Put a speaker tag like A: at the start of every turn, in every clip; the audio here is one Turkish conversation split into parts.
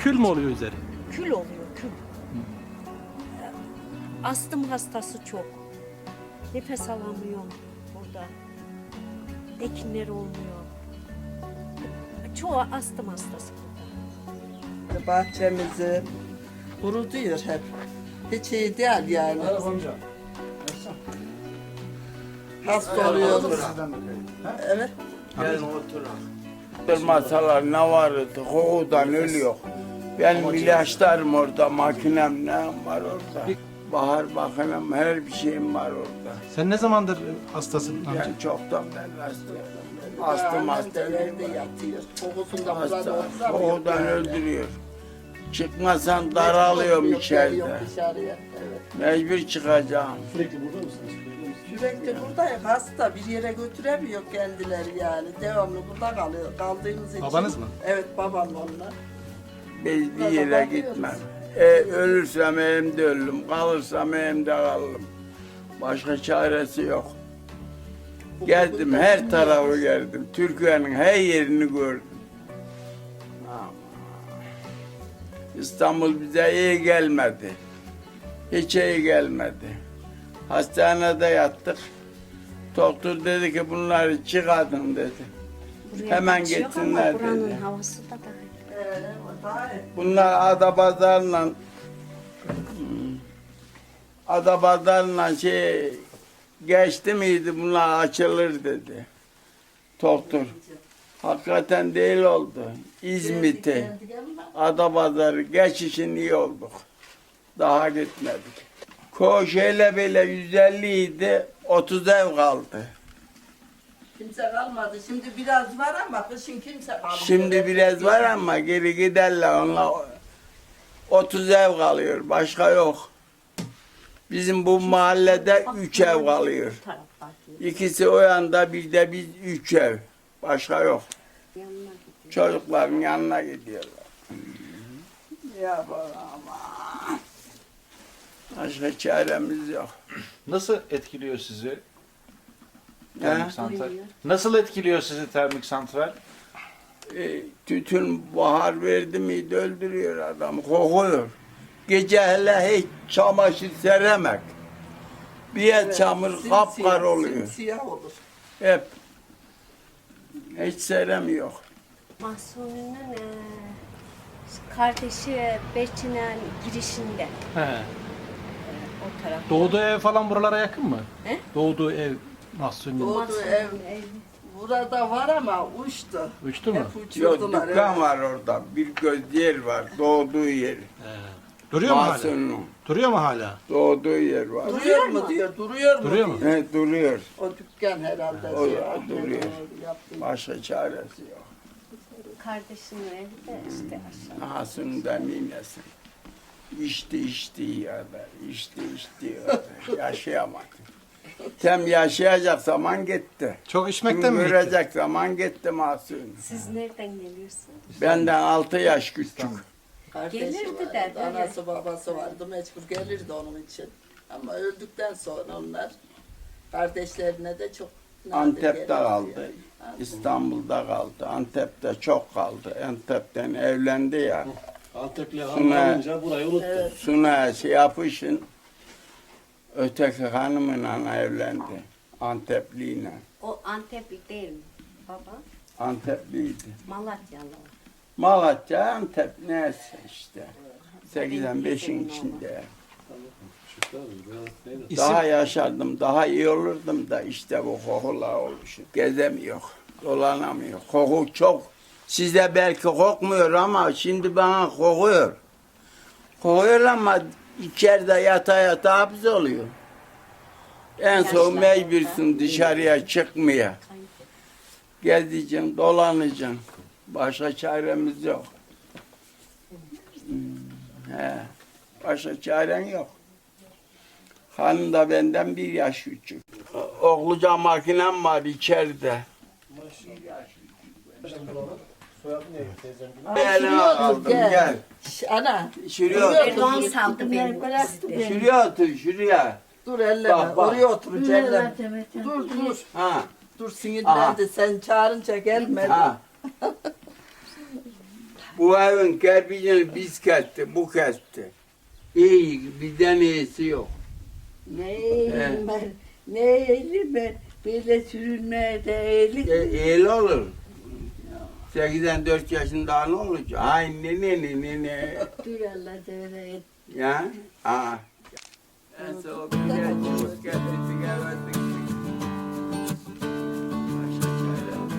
A: Kül mü oluyor üzeri?
B: Kül oluyor, kül. Astım hastası çok. Nefes alamıyor burada. Ekinler olmuyor. Çoğu astım hastası burada.
C: Bahçemizi kurutuyor hep. Hiç iyi değil yani. Hasta oluyoruz. Evet.
D: Gelin oturun. Durmasalar ne vardı? Kokudan ölüyor. Benim ilaçlarım orada, makinem ne var orada. Bahar bakınım, her bir şeyim var orada.
A: Sen ne zamandır hastasın amca?
D: Ben çoktan ben hastayım. Astım hastayım.
C: Evde yatıyor. Kokusunda burada
D: Hasta,
C: oturamıyor.
D: kokudan öldürüyor. Çıkmasan daralıyorum içeride.
C: Dışarıya. Evet.
D: Mecbur çıkacağım.
C: Sürekli buradayız. Hasta bir yere götüremiyor kendileri yani. Devamlı burada kalıyor. Kaldığımız için.
A: Babanız mı?
C: Evet babam onlar.
D: Biz bir yere gitmem. Ölürsem elimde ölürüm, kalırsam elimde kalırım. Başka çaresi yok. Geldim, her tarafı geldim. Türkiye'nin her yerini gördüm. Ama İstanbul bize iyi gelmedi. Hiç iyi gelmedi. Hastanede yattık. Doktor dedi ki bunları çıkartın dedi.
B: Buraya
D: Hemen
B: kaçıyor ama
D: getirsinler
B: buranın
D: dedi.
B: havası da daha.
D: Bunlar Adapazarı'nla geçti miydi bunlar açılır dedi. Doktor. Hakikaten değil oldu. İzmit'i, Adapazarı geçişin iyi olduk. Daha gitmedik. Koşeyle böyle 150 idi, 30 ev kaldı.
C: Kimse kalmadı. Şimdi biraz var ama kışın kimse kalmadı.
D: Şimdi biraz var ama geri giderler onlar. 30 ev kalıyor, başka yok. Bizim bu mahallede 3 ev kalıyor. İkisi o yanda, bir de biz 3 ev. Başka yok. Çocukların yanına gidiyorlar. Yapalım ama. Başka çaremiz yok.
E: Nasıl etkiliyor sizi
D: He?
E: termik santral? Nasıl etkiliyor sizi termik santral?
D: Tütün bahar verdi miydi öldürüyor adamı, kokuyor. Gece hele hiç çamaşır seremek. Bir yer çamur kapkar oluyor.
C: Siyah olur.
D: Hep. Hiç seremiyor.
B: Mahsuni'nin kardeşi Beçinen girişinde.
A: He.
B: O taraf.
A: Doğduğu ev falan buralara yakın mı?
B: He?
A: Doğduğu ev Mahsuni'nin.
C: Doğduğu ev burada var ama uçtu.
A: Uçtu mu?
C: Hep
D: Yok,
C: uçurdular.
D: dükkan var orada. Bir göz yer var. Doğduğu yer.
A: Duruyor mu hala?
D: Mahsun'un
A: Duruyor mu hala?
D: doğduğu yer var.
C: Duruyor mu diyor, duruyor mu
A: Duruyor mu?
C: diyor.
D: Evet, duruyor.
C: O dükkan herhalde.
D: O
C: Ahmet
D: duruyor.
C: onu yaptı.
D: Başka çaresi yok.
B: Kardeşinin evi de işte aşağı.
D: Hasun'dan inesin. İçti kadar. İçti kadar. Yaşayamadı. Tam yaşayacak zaman gitti.
A: Çok içmekten mi bitti?
D: Görecek zaman gitti Mahsun.
B: Siz nereden geliyorsunuz?
D: Benden 6 yaş küçük.
C: Kardeşi
B: Gelirdi
C: vardı,
B: de böyle.
C: anası babası vardı, mecbur gelirdi onun için. Ama öldükten sonra onlar kardeşlerine de çok nadir
D: Antep'te
C: gelirdi
D: kaldı.
C: yani.
D: İstanbul'da kaldı. Antep'te çok kaldı. Antep'ten evlendi ya.
F: Antepli
D: Suna-
F: hanım alınca burayı unuttu.
D: Suna yapışın. Öteki hanımla evlendi. Antepliyle.
B: O Antepli değil mi baba?
D: Antepliydi.
B: Malatyalı.
D: Malatya, Antep neyse işte. 85'in içinde. Daha yaşardım, daha iyi olurdum da işte bu kokular oluşu. Gezemiyor, dolanamıyor. Koku çok. Size belki kokmuyor ama şimdi bana kokuyor. Kokuyor ama içeride yata hapis oluyor. En son mecbursun dışarıya çıkmaya. Gezeceksin, dolanacaksın. Başka çaremiz yok. He. Başka çaren yok. Hanım da benden 1 yaş küçük. Oğluca makinem var içeride. Elime aldım gel.
C: Ana,
D: Şuraya
B: Erdoğan
D: otur.
B: saldı beni.
D: Şuraya otur şuraya.
C: dur elleme,
D: Bak, bak.
C: oraya otur elleme. Dur,
D: Ha.
C: dur sinirlendi, sen çağırınca gelmedi.
D: Ha. Bu evin kerpiçini biz kesti, bu kesti. İyi, bizden iyisi yok.
G: Ne eğilim ben, ne eğilim ben. Böyle sürünmeye de eğilim.
D: İyi olur. 84 yaşında ne olacak? Ay ne.
G: Dur Allah söyle et.
D: Ya? Aa. En son bir gençimiz geldi, sigara verdik. Başka çare yok.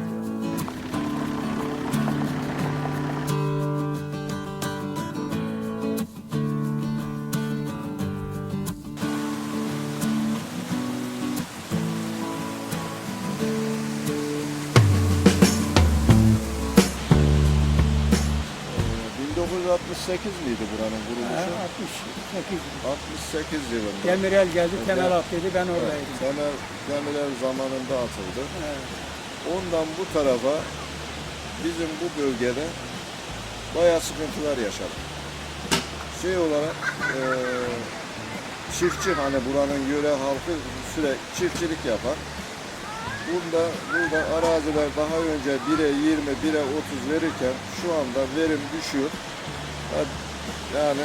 H: Ee, 1968 miydi buranın kuruluşu? 68 yılında.
A: Demirel geldi, temel attıydı, ben oradaydım.
H: Temel Demirel zamanında atıldı. Ondan bu tarafa bizim bu bölgede bayağı sıkıntılar yaşadık. Şey olarak çiftçi, hani buranın yöre halkı sürekli çiftçilik yapar. Burada araziler daha önce 1'e 20, 1'e 30 verirken şu anda verim düşüyor. Yani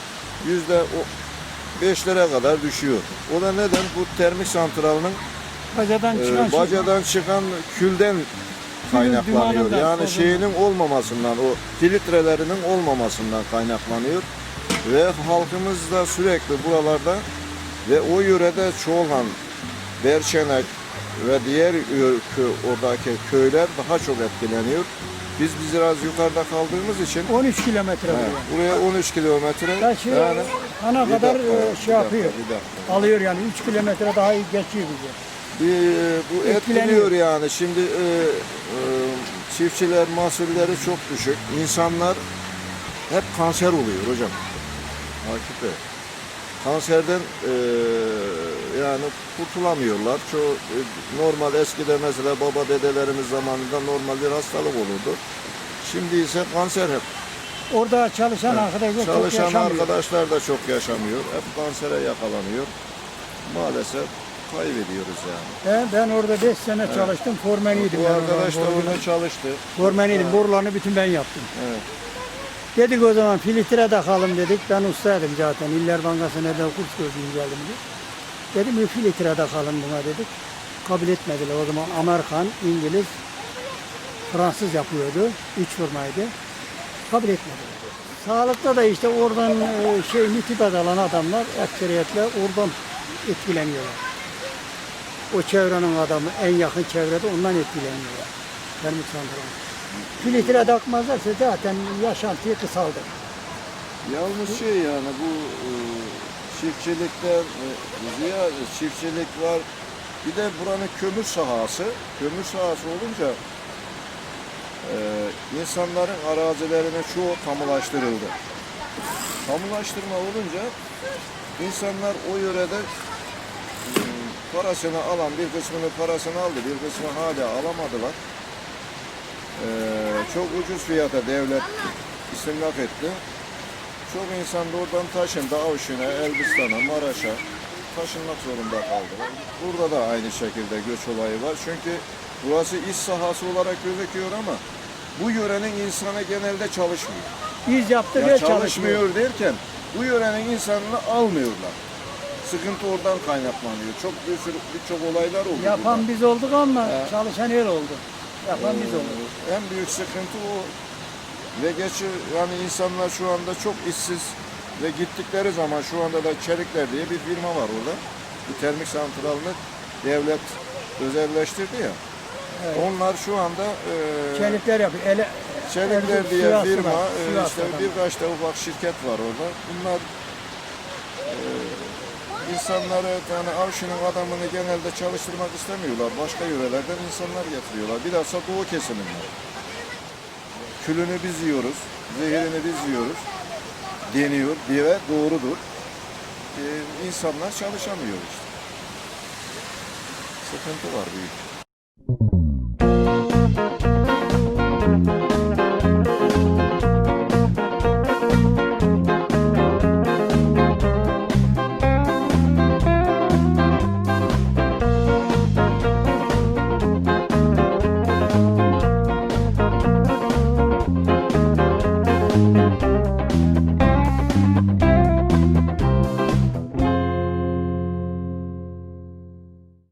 H: %5'lere kadar düşüyor. O da neden? Bu termik santralının bacadan çıkan külden kaynaklanıyor.
A: dumanından,
H: Yani
A: tozundan.
H: şeyinin olmamasından, o filtrelerinin olmamasından kaynaklanıyor. Ve halkımız da sürekli buralarda ve o yörede çoğalan Berçenek ve diğer oradaki köyler daha çok etkileniyor. Biz biraz yukarıda kaldığımız için
A: 13 kilometre
H: buraya 13 kilometre
A: yani ana
H: Bir
A: kadar
H: dakika,
A: şey yapıyor.
H: bir dakika.
A: Alıyor yani 3 kilometre daha iyi geçiyor bize.
H: Bu etkiliyor yani. Şimdi çiftçiler mahsulleri çok düşük. İnsanlar hep kanser oluyor hocam. Akif Bey. Kanserden yani kurtulamıyorlar. Çoğu normal eskide mesela baba dedelerimiz zamanında normal bir hastalık olurdu. Şimdi ise kanser hep.
A: Orada çalışan arkadaşlar çok
H: Çalışan
A: yaşamıyor.
H: arkadaşlar da çok yaşamıyor. Hep kansere yakalanıyor. Maalesef kaybediyoruz yani.
A: Ben orada 5 sene çalıştım, formeniydim.
H: Bu
A: ben
H: arkadaş da
A: orada.
H: orada çalıştı.
A: Formeniydim, borularını bütün ben yaptım.
H: Evet.
A: Dedik o zaman filtre takalım dedik. Ben ustaydım zaten. İller Bankası'na da kurs gördüm geldim diye. Dedim bir filtre takalım buna dedik. Kabul etmediler. O zaman Amerikan, İngiliz, Fransız yapıyordu. 3 firmaydı. Kabul etmediler. Sağlıkta da işte oradan nitibat alan adamlar ekseriyetle oradan etkileniyorlar. O çevrenin adamı en yakın çevrede ondan etkileniyorlar. Termik santral. Filtre takmazlarsa zaten yaşantıyı kısaldı.
H: Yalnız şey yani bu çiftçilikten ziyade çiftçilik var. Bir de buranın kömür sahası. Kömür sahası olunca insanların arazilerine çoğu kamulaştırıldı. Kamulaştırma olunca insanlar o yörede parasını alan bir kısmını parasını aldı, bir kısmını hala alamadılar. Çok ucuz fiyata devlet istimlak etti. Çok insan da oradan taşındı Avşin'e, Elbistan'a, Maraş'a taşınmak zorunda kaldı. Burada da aynı şekilde göç olayı var. Çünkü burası iş sahası olarak gözüküyor ama bu yörenin insanı genelde çalışmıyor.
A: Biz yaptık
H: Ya
A: ve
H: çalışmıyor derken bu yörenin insanını almıyorlar. Sıkıntı oradan kaynaklanıyor. Birçok olaylar oldu.
A: Yapan
H: burada.
A: biz olduk ama çalışan el oldu. Yapan biz olduk.
H: En büyük sıkıntı o. Ve yani insanlar şu anda çok işsiz ve gittikleri zaman şu anda da Çelikler diye bir firma var orada. Bu termik santralını devlet özelleştirdi ya.
A: Evet.
H: Onlar şu anda
A: Çelikler yapıyor.
H: Çelikler diye
A: Sivas'ta
H: firma,
A: var, Sivas'ta
H: işte
A: var.
H: birkaç da ufak şirket var orada. Bunlar insanları, yani Avşin'in adamını genelde çalıştırmak istemiyorlar. Başka yörelerden insanlar getiriyorlar. Bilhassa Doğu kesiminden. Külünü biz yiyoruz, zehirini biz yiyoruz deniyor diye doğrudur. İnsanlar çalışamıyor işte. Sıkıntı var büyük.